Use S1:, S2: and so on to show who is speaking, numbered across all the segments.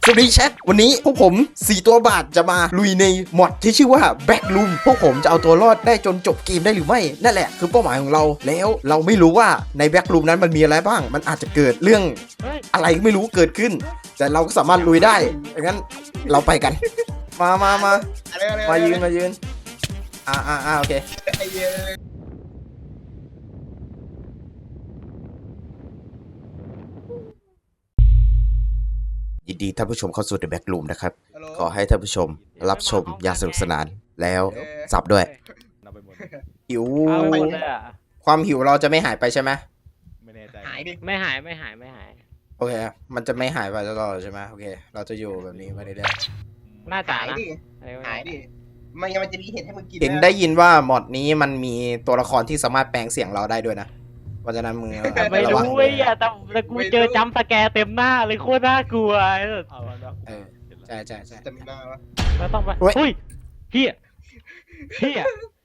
S1: สวัสดีแชทวันนี้พวกผม4ตัวบาทจะมาลุยในมอดที่ชื่อว่า Backroom พวกผมจะเอาตัวรอดได้จนจบเกมได้หรือไม่นั่นแหละคือเป้าหมายของเราแล้วเราไม่รู้ว่าใน Backroom นั้นมันมีอะไรบ้างมันอาจจะเกิดเรื่องอะไรไม่รู้เกิดขึ้นแต่เราก็สามารถลุยได้งั้นเราไปกันมายืนโอเคยินดีท่านผู้ชมเข้าสู่ The Backroom นะครับขอให้ท่านผู้ชมรับชมอย่างสนุกสนานแล้วสับด้วยหิวความหิวเราจะไม่หายไปใช่ไหม
S2: ไม่แน่ใจ
S3: หายดิ
S4: ไม่หาย
S1: โอเคมันจะไม่หายไปตลอดใช่ไหมโอเคเราจะอยู่แบบนี้ไปเรื่อย
S4: น่าจะ
S3: หาย
S4: นะ
S3: ดิหายดิไม่งั้นมันจะมีเห็ดให้มึงกิน
S1: ๆเห็นได้ยินว่ามอดนี้มันมีตัวละครที่สามารถแปลงเสียงเราได้ด้วยนะเพราะฉะนั้นมึง
S4: ไม่
S1: ระวัง
S4: รู้ไอ้อะแต่กูเจอจัมป์สแกร์เต็มหน้าเลยโคตรน่ากลัว
S2: เอาแล้วนะ
S1: ใช่
S3: จะมีหน้าวะ
S4: แล้วต้องไป
S1: เฮ้ย
S4: เฮ้ยเฮีย
S3: เฮ้ย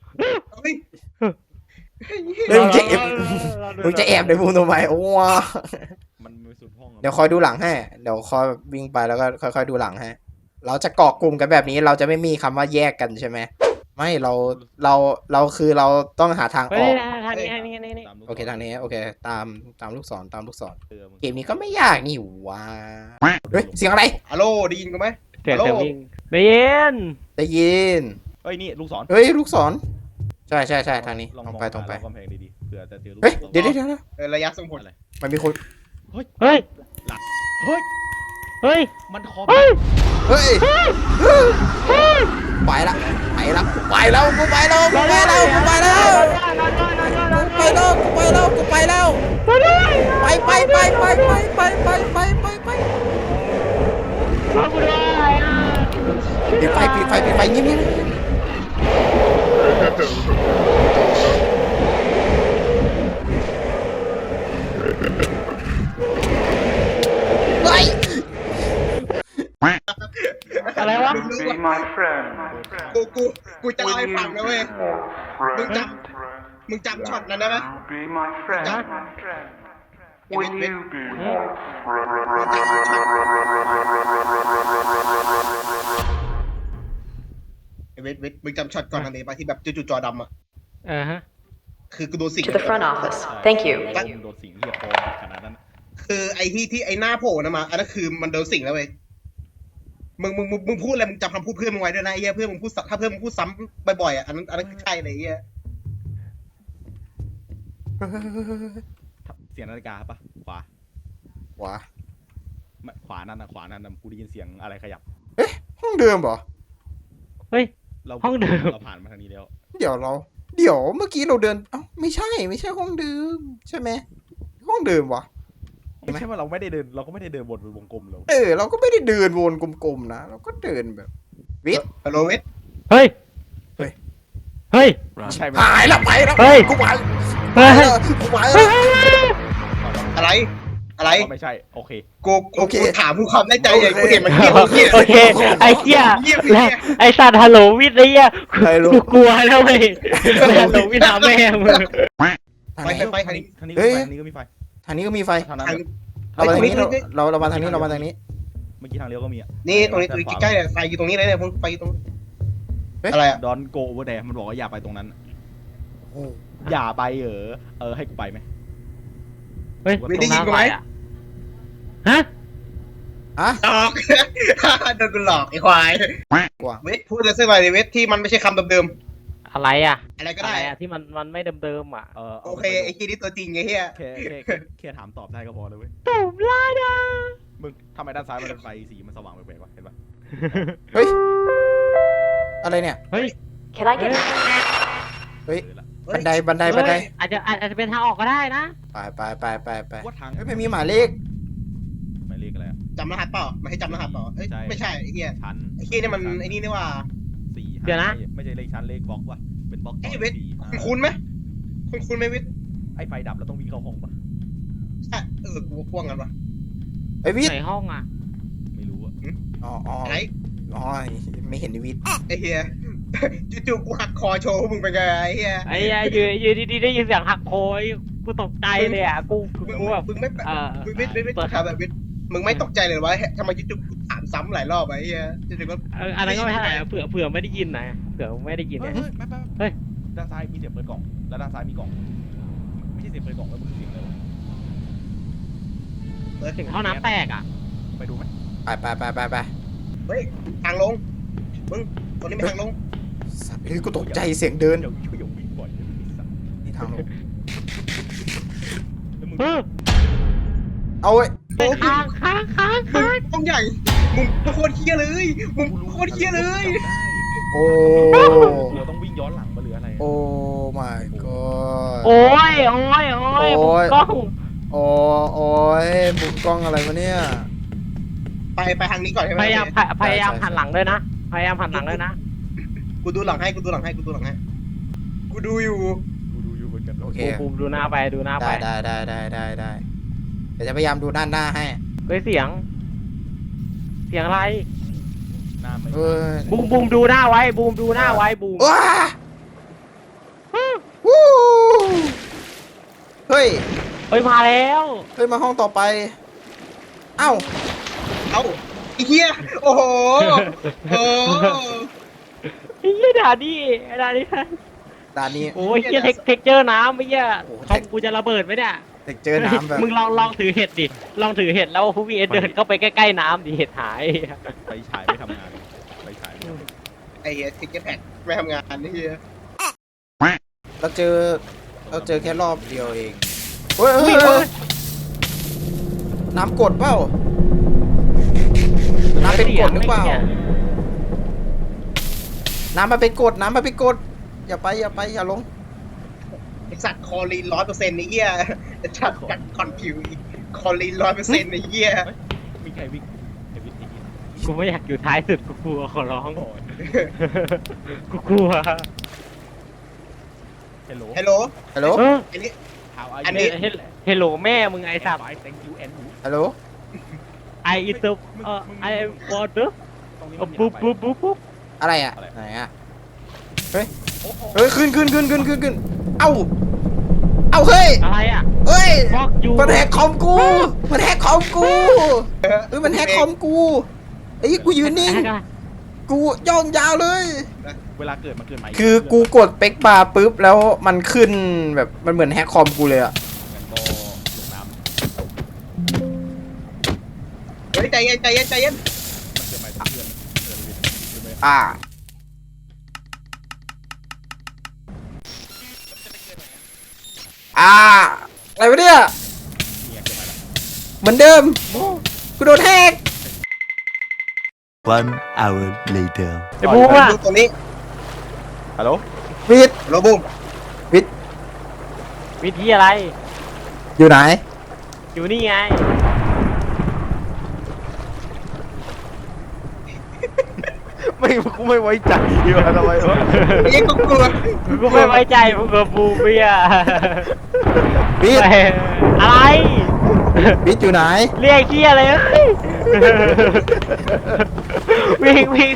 S1: มึงจะแอบในมุมทำไมโอ้ว
S2: มันมีสุดห้อง
S1: เดี๋ยวคอยดูหลังให้เดี๋ยวคอยวิ่งไปแล้วก็ค่อยๆดูหลังให้เราจะเกาะกลุ่มกันแบบนี้เราจะไม่มีคำว่าแยกกันใช่ไหมไม่เราคือเราต้องหาทางอ
S4: เฮ้
S1: อย ก
S4: ทางนี้
S1: โอเคทางนี้โอเคตามลูกศรเกมนี้ก็ไม่ยากนี่หว่าเฮ้ยเสียงอะไร
S3: ฮัลโหลได้ยินกูไหม
S4: เสียงวิ่งได้ยิน
S1: ได้ยิน
S2: เฮ้ยนี่ลูกศร
S1: เฮ้ยลูกศรใช่ทางนี้ตรงไป
S2: กำแพงดีๆเผื่อจะเจอลูก
S1: เฮ้ยเดี๋ยว
S3: ระยะส่งผล
S1: มันมีคน
S4: เฮ้ย
S2: เฮ้ย
S4: เฮ้ย
S2: มันคอม
S4: เฮ้ย
S1: เฮ้ยไปแล้วกูไปแล้วไป
S4: มากูด้วยอ่ะ
S1: ปิดไฟยิ้มเฮ้ย
S4: อะไรวะ
S5: Be my friend.
S3: กูจะเล่าให้ฟังนะเว้ยมึงจำช็อตนั้นได้ไหม
S5: Be my friend. Will you be my
S3: เวทมึงจำช็อตก่อนอันนี้ปะที่แบบจู่ๆจอดำอ่ะ
S4: ฮะ
S3: คือกูโดนสิง
S6: To the front office. Thank you.
S2: โดนสิงเรียบคอขนาดนั้น
S3: คือไอ้ที่ไอ้หน้าโผล่นะมาอันนั้นคือมันโดนสิงแล้วเว้ยมึงพูดอะไรมึงจำคำพูดเพื่อนมึงไว้ด้วยนะไอ้เหี้ยเพื่อนมึงพูดถ้าเพื่อนมึงพูดซ้ำบ่อยๆอ่ะอันนั้นคือใช่เลยไอ้เหี้ย
S2: เสียงนาฬิกาปะขวา ขวานั่นนะกูได้ยินเสียงอะไรขยับ
S1: ห้องเดิมเหรอ
S4: เฮ้ย
S2: เรา
S4: ห้องเดิม
S2: เราผ่านมาทางนี้แล้ว
S1: เดี๋ยวเมื่อกี้เราเดินเอ้าไม่ใช่ห้องเดิมใช่ไหมห้องเดิมวะ
S2: ไม่ใช่ว่าเราไม่ได้เดินเราก็ไม่ได้เดินวนเป็นวงกลมเลย
S1: เราก็ไม่ได้เดินวนกลมๆนะเราก็เดินแบบวิท
S3: ฮัลโหลเวท
S4: เฮ้ย
S2: ใช่ไหม
S1: หายแล้วไปแล้ว
S4: เฮ้ย
S1: กูไป
S4: เฮ้ย
S1: กูไป
S4: เฮ้
S1: แล้ว
S4: ย
S3: อะไร
S2: ไม่ใช่โอเค
S3: กูถามผู้ความในใจอย่างกูเห็นมันเงียบ
S4: โอเคไอ้เหี้ยและไอ้สัตว์ฮัลโหลวิทย์ไอ้เหี้ยกูกลัวแล้วเว้ยฮัลโหลวิทย์หาแม่มึง
S1: ทางไหน
S3: ไปทางนี้
S2: ทางนี้ก็มีไฟ
S1: ทางนี้ก็มีไฟ
S2: ทางนั้น
S1: เรามาทางนี้เรามาทางนี้
S2: เมื่อกี้ทางเลี้ยวก็มีอ่ะ
S3: นี่ตรงนี้ใกล้ๆเนี่ยไฟอยู่ตรงนี้เลยเนี่ยไฟอยู่ตรงอะไรอ่ะ
S2: ดอนโกโอเวอร์แดมันบอกว่าอย่าไปตรงนั้นอย่าไปให้กูไปไหม
S4: เฮ้ย
S3: ไม่ได้ยินกูไหม
S4: ฮะ
S3: หลอกโดนกูหลอกไอ้ควายเวทพูดอะไรสักหน่อยดิเวทที่มันไม่ใช่คำเดิม
S4: อะไรอ่ะ
S3: ๆอะไรก็
S4: อะไร
S3: ได้
S4: อ่ะที่มันไม่เดิมๆอ่ะ
S3: โอเคไอ้คีนี่ตัวจริงไอ้เหี้ย
S2: แค่ถามตอบได้ก็พอเลยเว้ย
S4: ตุ่มลาดา
S2: มึงทำไมด้านซ้ายมันเป็นไฟสีมันสว่างแปลกๆวะเห็นปะ
S1: เฮ้ยอะไรเนี่ย
S4: เฮ้ย
S6: Can I get
S1: เฮ้ยบันได
S4: อาจจะเป็นทางออกก็ได้นะ
S1: ไป
S2: ว่าทาง
S1: เฮ้ยไม่มีหมายเลข
S2: หมายเลขอะไรอ่ะ
S3: จำรหัสเปล่าไม่ให้จำรหัสเปล่าเอ้ยไม่ใช่ไอ้เหี้ย
S2: ชั้น
S3: ไอ้คีนี่มันไอ้นี่นี่ว่า
S2: 4
S4: เดี๋ยวนะ
S2: ไม่ใช่เลขชั้นเลขบล็อกว่ะเป็นบล็อก
S3: ไอ้เวทคุ้นไหมคุ้นไหมเวท
S2: ไอ้ไฟดับแล้วต้องวิ่งเข้าห้องปะ
S3: ใช่กูพ่วงกันวะ
S1: ไอ้วิท
S4: ไหนห้องอ่ะ
S2: ไม่รู้อ่ะ
S1: อ๋อ
S3: อะไร
S1: ไม่เห็นวิท
S3: ไอ้เหี้ยจู่ๆกูหักคอโชว์มึงเป็นไงไอ้เหี้ย
S4: ไอ้เหี้ยอยู่ดีๆได้ยินเสียงหักโคยกูตกใจเลยอ่ะกูแบบ
S3: มึงไม่มึงไม่ถามแบบเวทมึงไม่ตกใจเลยว่าทำไมจุ๊บถามซ้ำหลายรอบไอ้เหี้ยจุ๊บก็
S4: อันนั้นก็ไม่เท่าไหร่เผื่อไม่ได้ยินนะเผื่อไม่ได้ยิน
S2: เฮ้
S4: นะ
S2: ยไม่
S4: เฮ้ย
S2: ด้านซ้ายมีเสียงเปิดกล่องแล้วด้านซ้ายมีกล่องไม่ใช่เสียงเปิดกล่องแล้วมันคือเสียงอะไรวะ
S4: เสียงท่อน้ำแตกอ่ะ
S2: ไปดูไหม
S1: ไป
S3: เฮ้ยทางลงมึงตรงนี้มีทางลง
S1: สัตว์เฮ้ยกูตกใจเสียงเดิน
S2: เดี๋ยววิ่งบ่อยเลยไอ้สัตว์
S1: นี่ทางลง
S2: แล้วมึง
S1: เอาไว้
S3: โอ้
S4: ค้าง
S3: มึงต้องใหญ่มึงโคตรเฮี้ยเลยมึงโคตรเฮี้ยเลย
S1: โอ้
S2: เราต้องวิ่งย้อนหลังมาหรืออะไร
S1: โอ้ my god
S4: โอ้ยกล้อง
S1: โอ้ยมุมกล้องอะไรวะเนี่ย
S3: ไปทางนี้ก่อนใช่ไหม
S4: พยายามหันหลังด้วยนะพยายามหันหลังด้วยนะ
S3: กูดูหลังให้กูดูอยู่
S2: กูดูอยู่เหมือนกัน
S1: โอเค
S4: บูมดูหน้าไปดูหน้าไป
S1: ได้เดี๋ยวจะพยายามดูด้านหน้าให้
S4: เฮ้ยเสียงอะไร
S2: หน้าไม่
S1: เอ้ย
S4: บูมดูหน้าไว้บูมดูหน้าไว้บูม
S1: ว้าวู้เฮ้ย
S4: เฮ้ยมาแล้ว
S1: เฮ้ยมาห้องต่อไป เอ้า
S3: เอ้าไอ้เหี้ยโอ้โหโอ้
S4: ไอ้เหี้ยด่านี่
S1: ด่านนี้
S4: โอ้ยเหี้ยเท็กเจอร์น้ำไอ้เหี้ย
S1: โอ้โห
S4: คอมกูจะระเบิดไหมเนี่ย
S1: เด็กเจอน้ำแบบ
S4: มึงลองถือเห็ดดิลองถือเห็ดแล้วผู้มีเอเดินเข้าไปใกล้ๆน้ำดิเห็ดหาย
S2: ไปฉายไม่ทำงานไปฉายไม่ทำงาน
S3: ไอ้เหี้ยติ๊กเก็ตแพ็คไม่ทำงานไอ้เหี้ย
S1: เราเจอแค่รอบเดียวเองเฮ้ยน้ำกดเปล่าน้ำเป็นกดหรือเปล่า น้ำมาเป็นกดอย่าไปอย่าลง
S3: ไอ้สัตว์คอลีน100%ไอ้เหี้ยไอ้สัตว์กัดคอนคิวอีกคอลีน100%ไอ้เหี้ย
S2: มีใครวิ่งไอ้วิ่งไอ้วิ่ง
S4: กูไม่อยากอยู่ท้ายสุดกูกลัวขอร้องกูกลัว
S2: ฮัลโหล
S3: ฮัลโหล
S1: ฮัลโหล
S3: อันนี้
S2: How are
S3: อัน
S2: you
S3: นี้
S4: เฮลโหลแม่มึงไอ้สัตว์
S2: Fine, thank you and you
S1: ฮัลโหล
S4: ไออิตไอวอเตอร์
S2: ตรงนี้
S4: ปุ๊บ
S1: อะไรอ่ะ
S2: อะไร
S1: ไหนอ่ะ เฮ้ยขึ้นเอ้าเฮ้ย
S4: อะไรอ่ะ
S1: เฮ้ย
S4: ฟอกยู
S1: มันแฮกคอมกูมันแฮกคอมกูมันแฮกคอมกูไอ้ยกูยืนนิ่งกูย่องยาวเลย
S2: เวลาเกิดมันเกิดใหม่
S1: คือกูกดเป็กบาร์ปุ๊บแล้วมันขึ้นแบบมันเหมือนแฮกคอมกูเลยอะ
S2: งั้นก็ลงน้ำ
S3: เฮ้ยใจเย็น
S2: มันเกิดใหม่ทั้งเดือนเดือนไป
S1: อ่าอะไรวะเนี่ย
S2: เนี่ยเกิดใหม่ละ
S1: เหมือนเดิมกูโดนแฮก
S7: 1 hour later.
S4: ไอ้บูมอ่ะ
S3: ดูตรงนี้
S2: ฮัลโหล
S1: วิท
S3: โรบูม
S4: วิธีอะไร
S1: อยู่ไหน
S4: อยู่นี่ไง
S2: กูไม่ไว้ใจว่ะทำไมวะ
S3: ไอ้เหี้ยก็กลัว
S4: กูไม่ไว้ใจมึงกับบูมพี่อ่ะ
S1: วิท
S4: อะไร
S1: วิทอยู่ไหน
S4: เรียกเคียอะไรเอ้ยวิ่ง
S1: วิท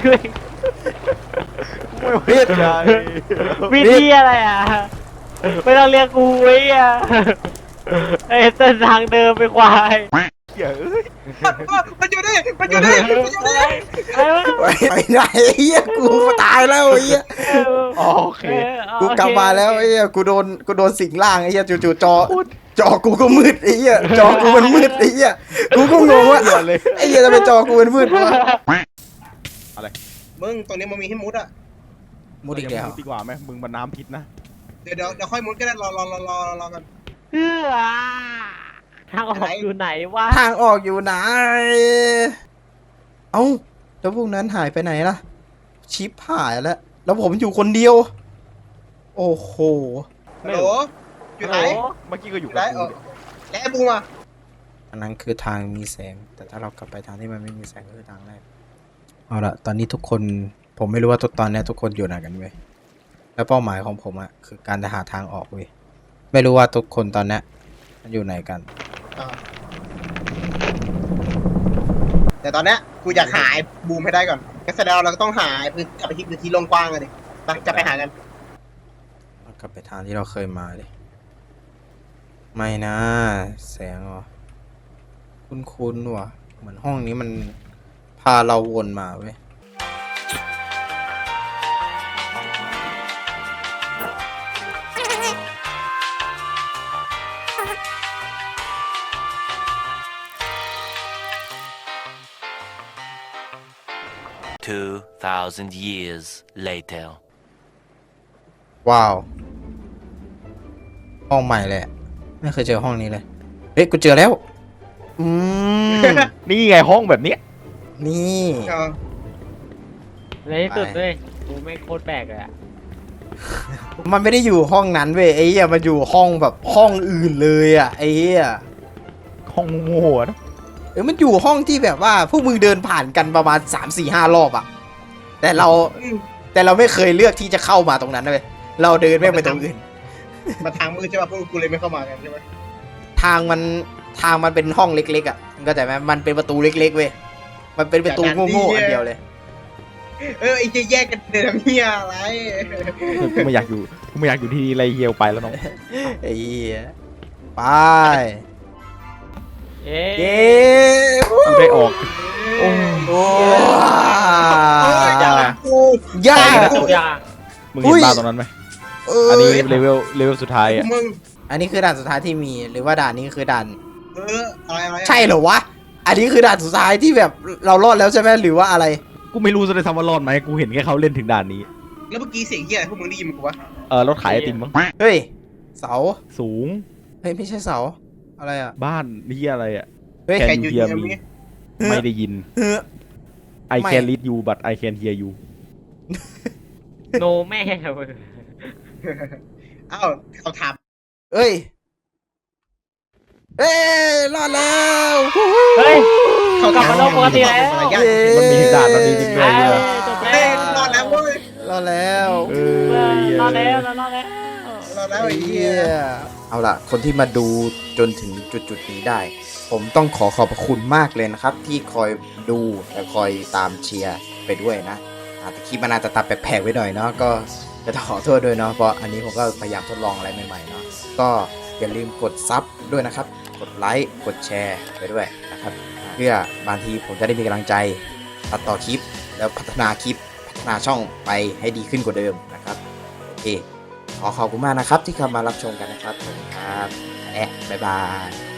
S4: วิธีอะไรอ่ะ ไม่ต้องเรียกกูไว้อ่ะไอ้เส้นทางเดิมไปควาย
S2: เหี้ยเอ้ย
S3: มันอยู่นี่
S4: อะไรวะ
S1: ไปไหนเฮียกูตายแล้วเฮีย
S2: โอเค
S1: กูกลับมาแล้วไอ้เหี้ยกูโดนสิงร่างไอ้เหี้ยจู่ๆจอกูก็มืดไอ้เหี้ยจอกูมันมืดไอ้เหี้ยกูก็งงว่าไอ้เหี้ยทำไมจอกูมันมืดวะ
S3: มึงตรงนี้มันมีให้มุดอ่ะ
S1: มุดอีกแล้ว
S2: ดีกว่าไหมมึงมันน้ำพิษนะ
S3: เดี๋ยวค่อยมุดก็ได้รอกัน
S4: เพื่อทางออกอยู่ไหนวะ
S1: ทางออกอยู่ไหนเอ้าแล้วพวกนั้นหายไปไหนล่ะชิปหายแล้วผมอยู่คนเดียว โอ้โห
S3: ฮัลโหลอยู่ไหน
S2: เมื่อกี้ก็อยู่
S3: ได้
S2: กับกู
S3: แล้วไอ้บูมอ่ะ
S1: อันนั้นคือทางมีแสง แต่ถ้าเรากลับไปทางที่มันไม่มีแสงก็คือทางแรกเอาละตอนนี้ทุกคนผมไม่รู้ว่าตอนนี้ทุกคนอยู่ไหนกันเว้ยแล้วเป้าหมายของผมอะคือการจะหาทางออกเว้ยไม่รู้ว่าทุกคนตอนนี้มันอยู่ไหนกัน
S3: แต่ตอนเนี้ยกูอยากหาไอ้บูมให้ได้ก่อนงั้นแสดงว่าเราก็ต้องหาไอ้พื้นกลับไปที่พื้นที่โล่งกว้างกันดิไปจะไปหากัน
S1: กลับไปทางที่เราเคยมาเลยไม่นะแสงเหรอคุ้นๆว่ะเหมือนห้องนี้มันพาเราวนมาเว้ย
S7: 2,000 years later.
S1: ว้าว ห้องใหม่เลยอะไม่เคยเจอห้องนี้เลย เฮ้ย กูเจอแล้ว อืม
S2: นี่ไงห้องแบบเนี้ย
S1: นี่
S3: เอา
S4: ในที่สุดเลยกูไม่งโคตรแปลกเลยอะ
S1: มันไม่ได้อยู่ห้องนั้นเว้ยไอ้เหี้ยมันอยู่ห้องแบบห้องอื่นเลยอ่ะไอ้เหี้ย
S2: ห้องโง่ๆอะนะ
S1: มันอยู่ห้องที่แบบว่าพวกมึงเดินผ่านกันประมาณ3-4-5 รอบอ่ะ แต่เราไม่เคยเลือกที่จะเข้ามาตรงนั้นเว้ยเราเดินไม่งไปตรงอื่น
S3: มาทางมืดใช่ป่ะพวกกูเลยไม่เข้ามากันใช่ไหม
S1: ทางมันเป็นห้องเล็กๆอ่ะมึงเข้าใจไหมมันเป็นประตูเล็กๆเว้ยมันเป็นประตูโง่ๆอันเดียวเลย
S3: ไอ้จะแยกกันเดินเฮียอะไร
S2: กูไม่อยากอยู่ที่นี่ไรเฮียวไปแล้วน้อง
S1: ไอ้เหี้ยไป
S4: เอ๊ะ
S1: เย้
S2: กูได้ออก
S1: โอ้
S2: ยาก
S3: กู
S1: ยาก
S4: ทุกอย่าง
S2: มึงเห็นบ้านตรงนั้นไหม
S1: อั
S2: อันนี้เลเวลสุดท้ายอ่ะ
S3: มึง
S1: อันนี้คือด่านสุดท้ายที่มีหรือว่าด่านนี้คือด่าน
S3: อะไร
S1: ใช่เหรอวะอันนี้คือด่านสุดท้ายที่แบบเรารอดแล้วใช่ไหมหรือว่าอะไร
S2: กูไม่รู้จะได้ทำว่ารอดไหมกูเห็นแค่เขาเล่นถึงด่านนี้
S3: แล้วเมื่อกี้เสียงเฮียอะไรพวกมึงได้ยินมั้ยกูวะ
S2: รถขายไอติมมั้ง
S1: เฮ้ยเสา
S2: สูง
S1: เฮ้ยไม่ใช่เสาอะไรอ่ะ
S2: บ้านนี่อะไรอ่ะ
S1: เฮ้ย
S2: Can
S3: แค่
S2: you
S3: ยืน
S2: hear
S3: ยัน
S2: me?
S3: นี้
S2: ไม่ได้ยิน
S1: เฮ้อ
S2: I
S1: ไม่
S2: can read you but I can hear you
S4: โนแม่ง
S3: อ้าวเขาถาม
S1: เอ้ยเอ้ยรอดแล้ว
S4: เฮ้ย
S3: เขา
S4: กลับมาโลกปกติแล้ว
S1: เย้
S2: มันมีถึงด่านมันมีจริงด้วยเนี่ย
S4: จบ
S3: เฮ้
S4: แล้
S3: ยว รอดแล้วเว้ย
S1: รอดแล้ว
S4: รอดแล้วรอดแล้ว
S3: รอดแล้วไอ้เฮี
S1: เหี้
S3: ย
S1: ยเอาล่ะ คนที่มาดูจนถึงจุดนี้ได้ ผมต้องขอบพระคุณมากเลยนะครับ ที่คอยดูและคอยตามเชียร์ไปด้วยนะแต่คลิปมันอาจจะตัดแปลกๆไว้หน่อยเนาะก็จะขอโทษด้วยเนาะเพราะอันนี้ผมก็พยายามทดลองอะไรใหม่ๆเนาะก็อย่าลืมกดซับด้วยนะครับ กดไลค์กดแชร์ไปด้วยนะครับ เพื่อบางทีผมจะได้มีกำลังใจตัดต่อคลิปแล้วพัฒนาคลิปพัฒนาช่องไปให้ดีขึ้นกว่าเดิมนะครับโอเคขอขอบคุณมากนะครับที่เข้ามารับชมกันนะครับขอบคุณครับบ๊ายบาย